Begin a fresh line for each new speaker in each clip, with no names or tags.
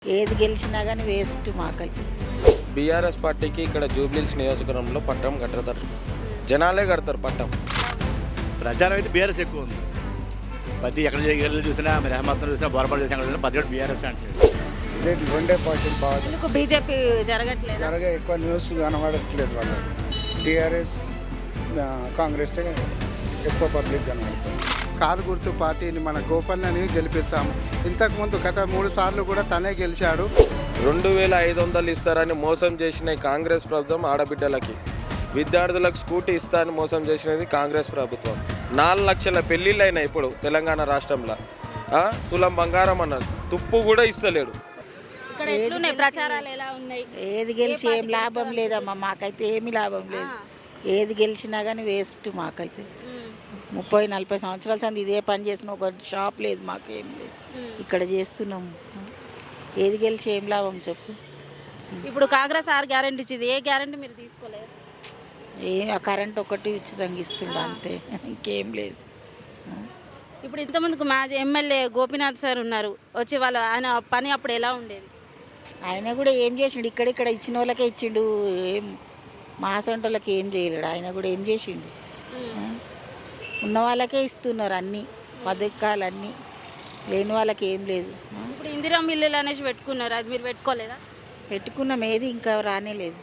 ఏది గెలిచినా కానీ వేస్ట్ మాకైతే.
బీఆర్ఎస్ పార్టీకి ఇక్కడ జూబ్లీహిల్స్ నియోజకవర్గంలో పట్టం కట్టతారు, జనాలే కడతారు పట్టం.
ప్రచారం అయితే బీఆర్ఎస్ ఎక్కువ ఉంది. ప్రతి ఎక్కడ వెళ్ళి చూసినా మీరు అహ్మద్ చూసినా బోరపాటు చూసినా చూసినా ప్రతి ఒక్కటి బీఆర్ఎస్ అంటారు.
ఇదే రెండే పార్టీలు బాగా
ఎందుకు బీజేపీ జరగట్లేదు?
జరగే ఎక్కువ న్యూస్ కనబడట్లేదు. వాళ్ళు టీఆర్ఎస్ కాంగ్రెస్ ఎక్కువ పబ్లిక్ కనబడుతుంది. కారు గుర్తు పార్టీని మన గోపన్నని గెలిపిస్తాము. ఇంతకుముందు గత 3 సార్లు కూడా తనే గెలిచాడు.
2500 ఇస్తారని మోసం చేసిన కాంగ్రెస్ ప్రభుత్వం ఆడబిడ్డలకి, విద్యార్థులకు స్కూటీ ఇస్తారని మోసం చేసినది కాంగ్రెస్ ప్రభుత్వం. 4 లక్షల పెళ్ళిళ్ళు అయినాయి ఇప్పుడు తెలంగాణ రాష్ట్రంలో. తులం బంగారం అన్నారు, తుప్పు కూడా ఇస్తలేడు.
ఇక్కడ ఎట్లున్నాయి ప్రచారాలు, ఎలా ఉన్నాయి?
ఏది గెలిచి ఏం లాభం లేదమ్మా, మాకైతే ఏమీ లాభం లేదు. ఏది గెలిచినా కానీ వేస్ట్ మాకైతే. 30-40 సంవత్సరాల సంది ఇదే పని చేసిన ఒక షాప్ లేదు, మాకేం లేదు. ఇక్కడ చేస్తున్నాము. ఏది గెలిచి ఏం లాభం చెప్పు.
ఇప్పుడు కాంగ్రెస్ 6 గ్యారెంటీ ఇచ్చింది, ఏ గ్యారెంటీ మీరు తీసుకోలేదు?
ఆ కరెంట్ ఒకటి ఉచితంగా ఇస్తుండ అంతే, ఇంకేం లేదు.
ఇప్పుడు ఇంతమందికి మాజీ ఎమ్మెల్యే గోపీనాథ్ సార్ ఉన్నారు, వచ్చి వాళ్ళు ఆయన పని అప్పుడు ఎలా ఉండేది?
ఆయన కూడా ఏం చేసిండు, ఇక్కడ ఇచ్చిన వాళ్ళకే ఇచ్చిండు, ఏం మా సొంటోళ్ళకి ఏం చేయలేడు. ఆయన కూడా ఏం చేసిండు, ఉన్న వాళ్ళకే ఇస్తున్నారు అన్నీ పథకాలు అన్నీ, లేని వాళ్ళకి ఏం లేదు.
ఇప్పుడు ఇందిరా మిల్లులు అనేసి పెట్టుకున్నారు, అది మీరు పెట్టుకోలేదా?
పెట్టుకున్నాం, ఏది ఇంకా రానేలేదు.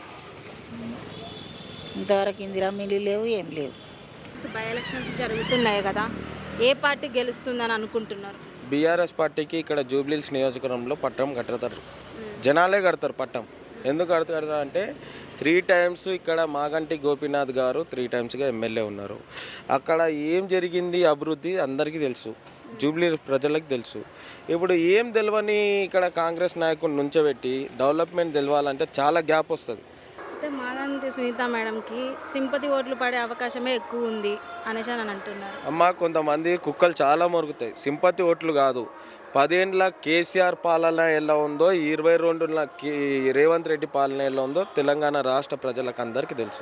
ఇంతవరకు ఇందిరా మిల్లు లేవు, ఏం లేవు.
బై ఎలక్షన్స్ జరుగుతున్నాయి కదా, ఏ పార్టీ గెలుస్తుందని అనుకుంటున్నారు?
బీఆర్ఎస్ పార్టీకి ఇక్కడ జూబ్లీహిల్స్ నియోజకవర్గంలో పట్టం కట్టతారు, జనాలే కడతారు పట్టం. ఎందుకు కడతారు అంటే 3 టైమ్స్ ఇక్కడ మాగంటి గోపీనాథ్ గారు 3 టైమ్స్గా ఎమ్మెల్యే ఉన్నారు. అక్కడ ఏం జరిగింది అభివృద్ధి అందరికీ తెలుసు, జూబ్లీ ప్రజలకు తెలుసు. ఇప్పుడు ఏం తెలియని ఇక్కడ కాంగ్రెస్ నాయకుడిని నుంచోబెట్టి డెవలప్మెంట్ తెలవాలంటే చాలా గ్యాప్ వస్తుంది.
అయితే మాగంటి సునీత మేడంకి సింపతి ఓట్లు పడే అవకాశమే ఎక్కువ ఉంది అనేసి అని అంటున్నారు.
అమ్మ, కొంతమంది కుక్కలు చాలా మొరుగుతాయి, సింపతి ఓట్లు కాదు. 10 ఏళ్ళ కేసీఆర్ పాలన ఎలా ఉందో, 22 రేవంత్ రెడ్డి పాలన ఎలా ఉందో తెలంగాణ రాష్ట్ర ప్రజలకు అందరికీ తెలుసు.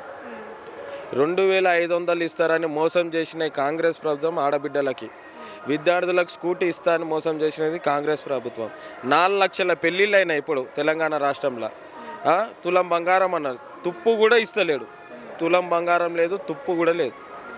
2500 ఇస్తారని మోసం చేసిన కాంగ్రెస్ ప్రభుత్వం ఆడబిడ్డలకి, విద్యార్థులకు స్కూటీ ఇస్తారని మోసం చేసినది కాంగ్రెస్ ప్రభుత్వం. 4 లక్షల పెళ్ళిళ్ళు అయినాయి ఇప్పుడు తెలంగాణ రాష్ట్రంలో. తులం బంగారం అన్నారు, తుప్పు కూడా ఇస్తలేడు. తులం బంగారం లేదు, తుప్పు కూడా లేదు.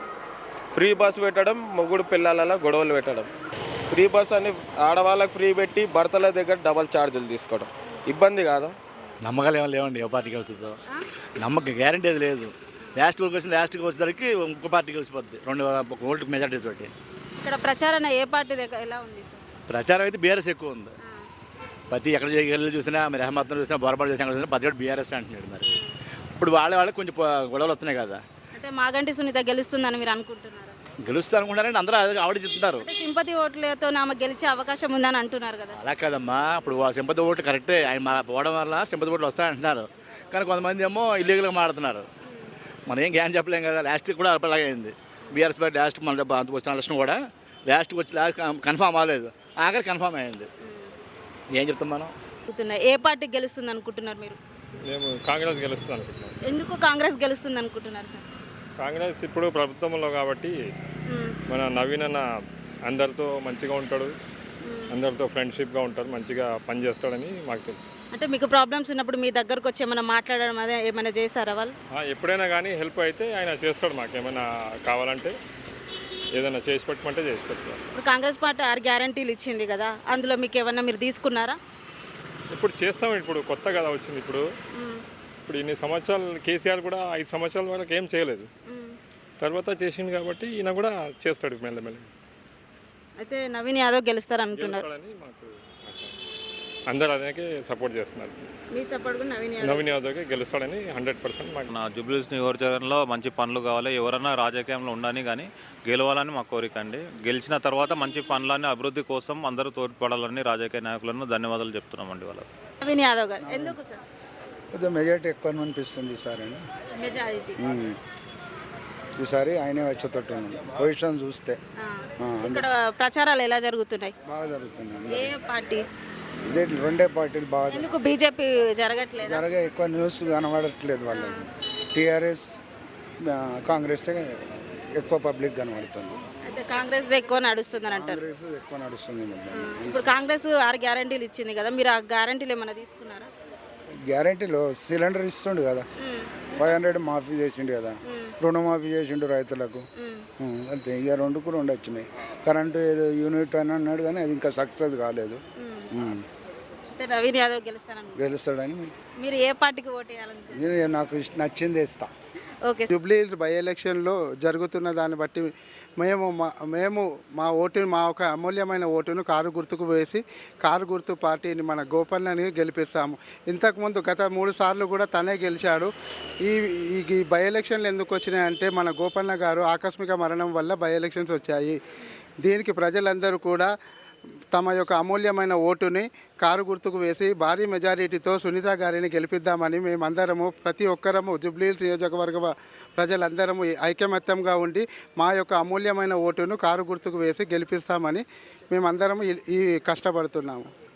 ఫ్రీ బస్ పెట్టడం, మొగుడు పిల్లల గొడవలు పెట్టడం. ఫ్రీ బస్ అని ఆడవాళ్ళకి ఫ్రీ పెట్టి భర్తల దగ్గర డబల్ ఛార్జీలు తీసుకోవడం ఇబ్బంది కాదా?
నమ్మకాలు ఏమైనా లేవండి, ఏ పార్టీకి వెళ్తుందో నమ్మకం గ్యారంటీ అది లేదు. లాస్ట్కి వచ్చేసరికి ఇంకో పార్టీకి వచ్చిపోద్ది 2 ఓట్ల మెజార్టీ తోటి.
ఇక్కడ ప్రచారం ఏ పార్టీ దగ్గర ఎలా ఉంది సార్?
ప్రచారం అయితే బీఆర్ఎస్ ఎక్కువ ఉంది. ప్రతి ఎక్కడ వెళ్ళి చూసినా మీరు అహ్మద్ చూసినా బోరపాటు చూసినా చూసినా ప్రతి ఒక్కటి బీఆర్ఎస్ అంటున్నాడు. మరి ఇప్పుడు వాళ్ళకి కొంచెం గొడవలు వస్తున్నాయి కదా.
అంటే మాగంటి సునీత గెలుస్తుందని మీరు అనుకుంటున్నారా?
గెలుస్తా అనుకుంటారంటే అందరూ ఆవిడ చెప్తున్నారు.
అంటే సింపతి ఓట్లతో ఆమె గెలిచే అవకాశం ఉందని అంటున్నారు కదా.
అలా కాదమ్మా, ఇప్పుడు సింపతి ఓట్లు కరెక్టే, ఆయన పోవడం వల్ల సింపతి ఓట్లు వస్తాయంటున్నారు. కానీ కొంతమంది ఏమో ఇల్లీగల్గా మాడుతున్నారు. మనం ఏం గ్యాన్ చెప్పలేం కదా. లాస్ట్కి కూడా అలాగే అయింది. బీఆర్ఎస్ పార్టీ లాస్ట్ మన అంత వచ్చిన ఎలక్షన్ కూడా లాస్ట్కి వచ్చి కన్ఫామ్ అవ్వలేదు, ఆఖరి కన్ఫామ్ అయింది. ఏం చెప్తాం మనం?
ఏ పార్టీ గెలుస్తుంది అనుకుంటున్నారు మీరు?
మేము కాంగ్రెస్ గెలుస్తుంది అనుకుంటున్నాం.
ఎందుకు కాంగ్రెస్ గెలుస్తుంది అనుకుంటున్నారు సార్?
కాంగ్రెస్ ఇప్పుడు ప్రభుత్వంలో కాబట్టి మన నవీన్ అన్న అందరితో మంచిగా ఉంటాడు, అందరితో ఫ్రెండ్షిప్గా ఉంటాడు, మంచిగా పనిచేస్తాడని మాకు తెలుసు.
అంటే మీకు ప్రాబ్లమ్స్ ఉన్నప్పుడు మీ దగ్గరకు వచ్చి ఏమైనా మాట్లాడడం అదే ఏమైనా చేశారా వాళ్ళు?
ఎప్పుడైనా కానీ హెల్ప్ అయితే ఆయన చేస్తాడు. మాకు ఏమైనా కావాలంటే ఏదైనా చేసి పెట్టమంటే చేసి పెడతాడు.
ఇప్పుడు కాంగ్రెస్ పార్టీ 6 గ్యారెంటీలు ఇచ్చింది కదా, అందులో మీకు ఏమన్నా మీరు తీసుకున్నారా?
ఇప్పుడు చేస్తాం, ఇప్పుడు కొత్త కదా వచ్చింది. ఇప్పుడు ఇన్ని సంవత్సరాలు కేసీఆర్ కూడా 5 సంవత్సరాల వరకు ఏం చేయలేదు, తర్వాత చేసింది కాబట్టి ఈయన కూడా చేస్తాడు మెల్లమెల్ల.
అయితే నవీన్ యాదవ్ గెలుస్తారు అనుకున్నారు.
మాకు అందరూ అదే సపోర్ట్ చేస్తున్నారు.
మీ సపోర్ట్ కూడా
నవీన్ యాదవ్కి గెలుస్తాడని 100% మాకు.
నా జూబ్లీహిల్స్ నియోజకవర్గంలో మంచి పనులు కావాలి, ఎవరైనా రాజకీయంలో ఉండని కానీ గెలవాలని మా కోరిక అండి. గెలిచిన తర్వాత మంచి పనులన్నీ అభివృద్ధి కోసం అందరూ తోడ్పడాలని రాజకీయ నాయకులను ధన్యవాదాలు చెప్తున్నామండి వాళ్ళకి.
నవీన్ యాదవ్ గారు ఎందుకు సార్?
కొద్దిగా మెజార్టీ ఎక్కువ అనిపిస్తుంది ఈసారి.
మెజారిటీ
ఈసారి ఆయనే వచ్చేటట్టు పొజిషన్ చూస్తే.
ఇక్కడ ప్రచారాలు ఎలా జరుగుతున్నాయి?
బాగా జరుగుతుంది.
ఏ పార్టీ?
ఇదే రెండే పార్టీలు బాగా
ఎందుకు బీజేపీ జరగట్లేదు?
జరగే ఎక్కువ న్యూస్ కనబడట్లేదు. వాళ్ళు టీఆర్ఎస్ కాంగ్రెస్ ఎక్కువ పబ్లిక్ కనబడుతుంది.
అయితే కాంగ్రెస్ ఎక్కువ నడుస్తుందని అంటారు.
కాంగ్రెస్ ఎక్కువ నడుస్తుంది మొత్తం.
ఇప్పుడు కాంగ్రెస్ 6 గ్యారంటీలు ఇచ్చింది కదా, మీరు ఆ గ్యారంటీలు ఏమైనా తీసుకున్నారా?
గ్యారంటీలో సిలిండర్ ఇస్తుండు కదా, 500 మాఫీ చేసిండు కదా, రుణమాఫీ చేసిండు రైతులకు. అంతే, ఇక 2కు 2 వచ్చినాయి. కరెంటు ఏదో యూనిట్ అని అన్నాడు కానీ అది ఇంకా సక్సెస్ కాలేదు.
అంటే నవీన్ యాదవ్ గెలుస్తారని
గెలుస్తాడని
మీరు ఏ పార్టీకి ఓటు వేయాలనుకుంటున్నారు?
నేను నాకు నచ్చింది ఇస్తా.
ఓకే.
జూబ్లీ హిల్స్ బై ఎలక్షన్లో జరుగుతున్న దాన్ని బట్టి మేము మా ఓటుని, మా ఒక అమూల్యమైన ఓటును కారు గుర్తుకు వేసి కారు గుర్తు పార్టీని మన గోపన్నని గెలిపిస్తాము. ఇంతకుముందు గత 3 సార్లు కూడా తనే గెలిచాడు. ఈ బై ఎలక్షన్లు ఎందుకు వచ్చినాయంటే మన గోపన్న గారు ఆకస్మిక మరణం వల్ల బై ఎలక్షన్స్ వచ్చాయి. దీనికి ప్రజలందరూ కూడా తమ యొక్క అమూల్యమైన ఓటుని కారు గుర్తుకు వేసి భారీ మెజారిటీతో సునీత గారిని గెలిపిద్దామని మేమందరము, ప్రతి ఒక్కరము జూబ్లీహిల్స్ నియోజకవర్గ ప్రజలందరము ఐకమత్యంగా ఉండి మా యొక్క అమూల్యమైన ఓటును కారు గుర్తుకు వేసి గెలిపిస్తామని మేమందరము ఈ కష్టపడుతున్నాము.